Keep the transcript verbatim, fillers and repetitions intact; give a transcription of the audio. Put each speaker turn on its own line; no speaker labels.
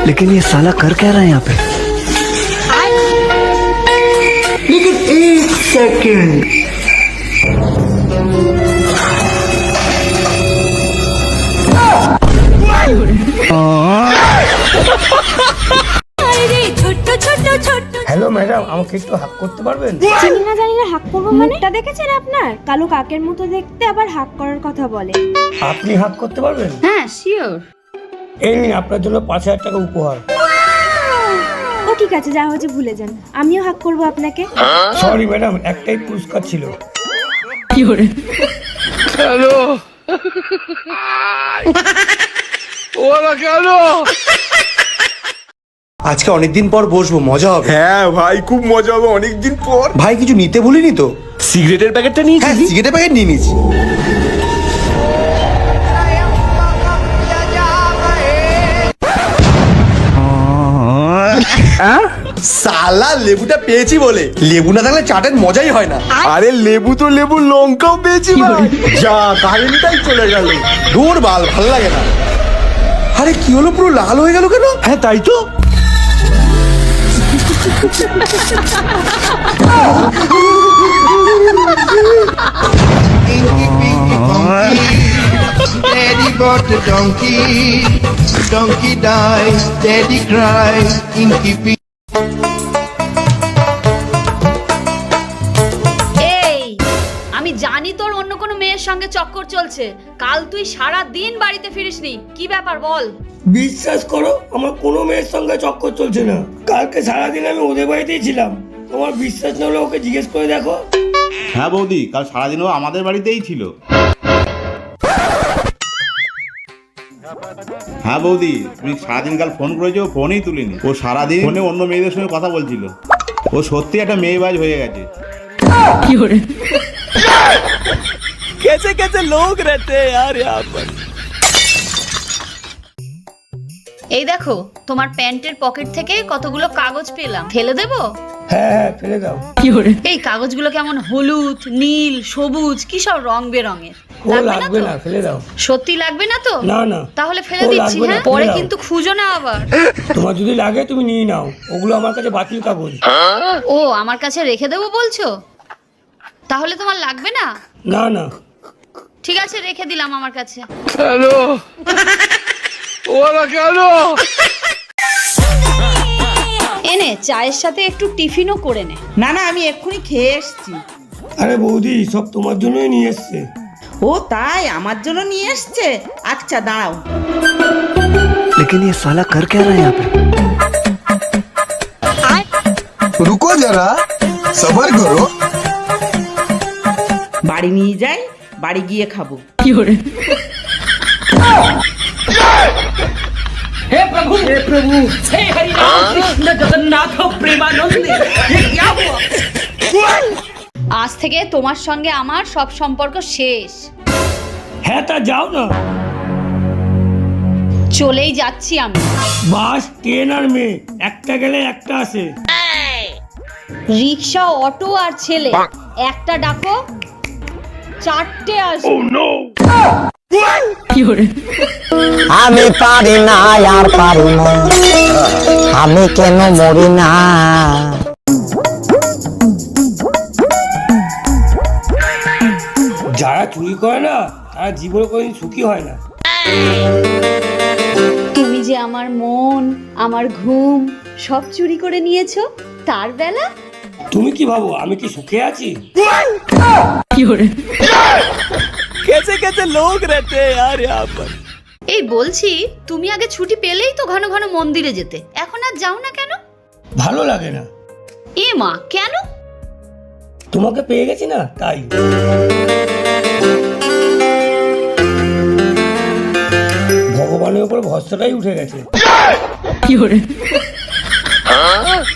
लेकिन ये साला कर क्या रहा है यहाँ पे?
लेकिन एक सेकंड, হ্যালো ম্যাডাম, আমাকে একটু হাক করতে পারবেন?
চিনি না জানি না হাক করবো মানে? তা দেখেছেন আপনার কালো কাকের মতো দেখতে, আবার হাক করার কথা বলে।
আপনি হাক করতে পারবেন?
হ্যাঁ শিওর।
এই নিন আপনার জন্য পাঁচ হাজার টাকা উপহার।
ও ঠিক আছে, যা হচ্ছে ভুলে যান, আমিও হাক করবো আপনাকে।
সরি ম্যাডাম, একটাই পুরস্কার ছিল।
কি করে?
হ্যালো ওরা কেন?
আজকে অনেকদিন পর বসবো, মজা হবে।
হ্যাঁ ভাই, খুব মজা হবে অনেকদিন পর।
ভাই কিছু নিতে ভুলিনি তো?
সিগারেটের প্যাকেটটা
হ্যাঁ,
নিয়েছি।
সিগারেটের প্যাকেট নিয়ে নিয়েছি। সালা লেবুটা পেয়েছি বলে, লেবু না থাকলে চাটের মজাই হয় না।
আরে লেবু তো লেবু, লঙ্কাও পেয়েছি ভাই। যা কারেন্টটাই চলে গেল।
দূর বাল, ভাল লাগে না। আরে কি হলো, পুরো লাল হয়ে গেল কেন?
হ্যাঁ তাই তো।
Daddy bought a donkey, donkey died, daddy cried, Inky Pinky.
এই আমি জানি তোর অন্য কোনো মেয়ের সঙ্গে চক্কর চলছে। কাল তুই সারা দিন বাড়িতে ফিরিসনি, কি ব্যাপার বল?
বিশ্বাস করো, আমার কোনো মেয়ের সঙ্গে চক্কর চলছে না। কালকে সারাদিন আমি ওদের বাড়িতেই ছিলাম। তোমার বিশ্বাস না হলে ওকে জিজ্ঞেস করে দেখো।
হ্যাঁ বৌদি, কাল সারাদিনও আমাদের বাড়িতেই ছিল। হ্যাঁ বৌদি, তুমি সারাদিন কাল ফোন করেছো, ফোনই তুলিনি। ও সারাদিন ফোনে অন্য মেয়েদের সঙ্গে কথা বলছিল। ও সত্যি একটা মেয়েবাজ হয়ে গেছে।
कैसे कैसे लोग रहते हैं यार यहाँ पर।
এই দেখো, তোমার প্যান্টের পকেট থেকে কতগুলো কাগজ পেলাম, ফেলে দেবো?
হ্যাঁ হ্যাঁ, ফেলে দাও।
এই কাগজগুলো কেমন হলুদ, নীল, সবুজ, কি সব রং বেরঙের।
ও লাগবে না, ফেলে দাও।
সত্যি লাগবে না তো?
না না,
তাহলে ফেলে
ও
দিচ্ছি।
লাগবে না,
হ্যাঁ,
ফেলে
পরে
দাও।
কিন্তু খুঁজো না আবার।
তোমার যদি লাগে তুমি নিয়ে নাও, ওগুলো আমার কাছে বাতিল কাগজ।
ও আমার কাছে রেখে দেবো বলছো? তাহলে তোমার লাগবে না?
না না,
ঠিক আছে, রেখে দিলাম আমার কাছে।
হ্যালো ওরা কেন?
এনে চায়ের সাথে একটু টিফিনও করে নে।
না না, আমি এক্ষুনি খেয়ে এসছি।
আরে বৌদি, সব তোমার জন্যই নিয়ে এসছে।
ও তাই, আমার জন্য নিয়ে এসছে? আচ্ছা দাঁড়াও।
लेकिन ये साला कर क्या रहा है यहाँ पे?
रुको जरा, सबर करो।
বাড়ি নিয়ে যাই, বাড়ি গিয়ে খাবো।
हे प्रभु हे प्रभु हे हरि राम कृष्ण जगन्नाथ प्रेमानंद, ये क्या हुआ?
আজ থেকে তোমার সঙ্গে আমার সব সম্পর্ক শেষ।
হ্যাঁ তা যাও না।
চলেই যাচ্ছি আমি।
বাস, ট্রেন আর মেয়ে, একটা গেলে একটা আসে।
রিক্সা, অটো আর ছেলে, একটা ডাকো চারটে আসে।
আমি পারি না আর পারি না, আমি কেন মরি না।
যারা চুরি করে না, তারা জীবনে কোনোদিন সুখী হয় না।
তুমি যে আমার মন, আমার ঘুম সব চুরি করে নিয়েছো, তার বেলা।
তুমি কি ভাবো আমি কি সুখে আছি?
कैसे कैसे लोग रहते हैं यार यहाँ पर।
এই বলছি, তুমি আগে ছুটি পেলেই তো ঘন ঘন মন্দিরে যেতে, এখন আর যাও না কেন?
ভালো লাগে না।
এ মা, কেন?
তোমাকে পেয়ে গেছি না, তাই। ভগবানের উপর ভরসাটাই উঠে গেছে।